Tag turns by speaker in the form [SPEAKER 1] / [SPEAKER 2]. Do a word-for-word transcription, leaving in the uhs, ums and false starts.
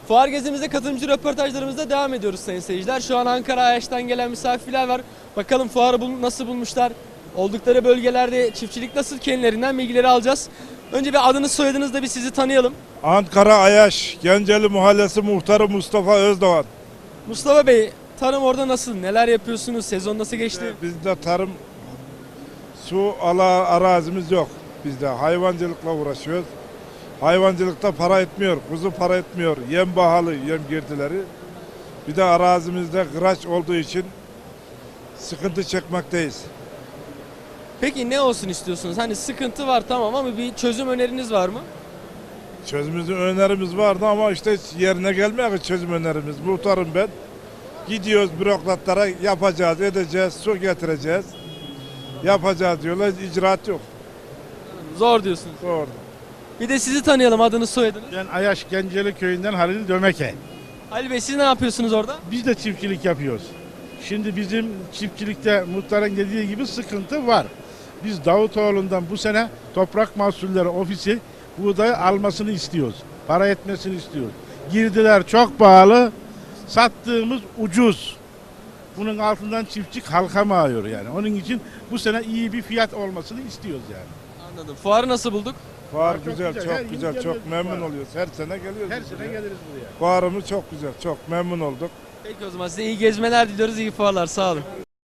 [SPEAKER 1] Fuar gezimizde katılımcı röportajlarımızda devam ediyoruz sayın seyirciler. Şu an Ankara Ayaş'tan gelen misafirler var. Bakalım fuarı bul nasıl bulmuşlar? Oldukları bölgelerde çiftçilik nasıl, kendilerinden bilgileri alacağız. Önce bir adınız soyadınız da bir sizi tanıyalım.
[SPEAKER 2] Ankara Ayaş, Genceli Mahallesi Muhtarı Mustafa Özdoğan.
[SPEAKER 1] Mustafa Bey, tarım orada nasıl? Neler yapıyorsunuz? Sezon nasıl geçti?
[SPEAKER 2] Bizde tarım, su ala arazimiz yok. Bizde hayvancılıkla uğraşıyoruz. Hayvancılıkta para etmiyor, kuzu para etmiyor. Yem pahalı, yem girdileri. Bir de arazimizde kıraç olduğu için sıkıntı çekmekteyiz.
[SPEAKER 1] Peki ne olsun istiyorsunuz? Hani sıkıntı var tamam ama bir çözüm öneriniz var mı?
[SPEAKER 2] Çözümümüzün önerimiz vardı ama işte hiç yerine gelmiyor ki çözüm önerimiz. Muhtarım ben. Gidiyoruz bürokratlara, yapacağız, edeceğiz, su getireceğiz. Yapacağız diyorlar, icraat yok.
[SPEAKER 1] Zor diyorsunuz.
[SPEAKER 2] Doğru.
[SPEAKER 1] Bir de sizi tanıyalım, adınız soyadınız.
[SPEAKER 3] Ben Ayaş Genceli köyünden Halil Dömeke.
[SPEAKER 1] Ali Bey, siz ne yapıyorsunuz orada?
[SPEAKER 3] Biz de çiftçilik yapıyoruz. Şimdi bizim çiftçilikte muhtarın dediği gibi sıkıntı var. Biz Davutoğlu'ndan bu sene Toprak Mahsulleri Ofisi buğdayı almasını istiyoruz. Para etmesini istiyoruz. Girdiler çok pahalı, sattığımız ucuz. Bunun altından çiftçi kalkamıyor yani. Onun için bu sene iyi bir fiyat olmasını istiyoruz yani.
[SPEAKER 1] Anladım. Fuarı nasıl bulduk?
[SPEAKER 2] Fuar
[SPEAKER 3] Çok
[SPEAKER 2] güzel,
[SPEAKER 3] güzel.
[SPEAKER 2] çok
[SPEAKER 3] Her gün
[SPEAKER 2] güzel,
[SPEAKER 3] geliyoruz
[SPEAKER 2] çok memnun
[SPEAKER 3] fuara.
[SPEAKER 2] oluyoruz. Her sene geliyoruz.
[SPEAKER 3] Her
[SPEAKER 2] biz
[SPEAKER 3] sene
[SPEAKER 2] buraya.
[SPEAKER 3] geliriz buraya.
[SPEAKER 2] Fuarımız çok güzel, çok memnun olduk.
[SPEAKER 1] Peki o zaman size iyi gezmeler diliyoruz, iyi fuarlar. Sağ olun.